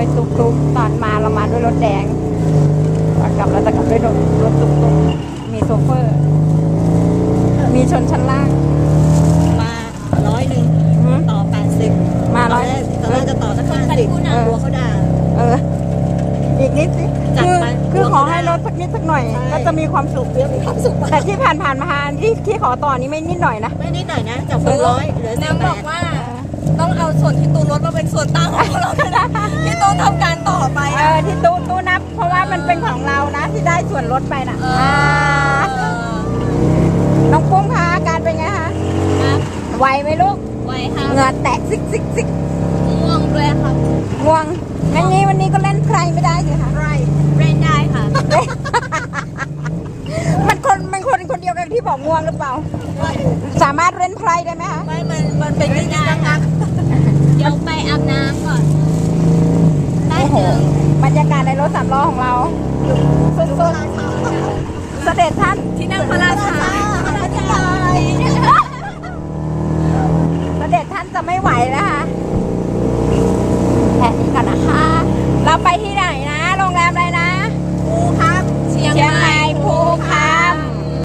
ด้วยตุ๊กตอนมาเรามาด้วยรถแดงตอนกลับเราจะกลับด้วยรถตุ๊กมีโซเฟอร์ มีชนชั้นล่างมา100ต่อ80 มาตอนแรกจะต่อสัก50กลัวเขาด่าอีกนิดสิคือขอให้ลดสักนิดสักหน่อยก็จะมีความสุขแต่ที่ผ่านมาที่ขอต่อนี้ไม่นิดหน่อยนะไม่นิดหน่อยนะจาก100เหลือนางบอกว่าต้องเอาส่วนที่ตูนลดมาเป็นส่วนต่างของเราด้วยนะที่ตูนทำการต่อไปที่ตู้นับเพราะว่ามันเป็นของเรานะที่ได้ส่วนลดไปน่ะน้องปุ้มคะอาการเป็นไงคะไหวไหมลูกไหวค่ะเหงื่อแตกซิกง่วงด้วยค่ะง่วงงั้นนี้วันนี้ก็เล่นใครไม่ได้สิคะเล่นได้ค่ะมันคนเดียวกันที่บอกง่วงหรือเปล่าสามารถเล่นไพรได้ไหมคะไม่มันเป็นไม่ได้ค่ะเดี๋ยวไปอาบน้ำก่อนได้ถึงบรรยากาศในรถสามล้อของเราสุดๆเสด็จท่านที่นั่งพระราชาเสด็จท่านจะไม่ไหวนะคะแค่นี้ก่อนนะคะเราไปที่ไหนนะ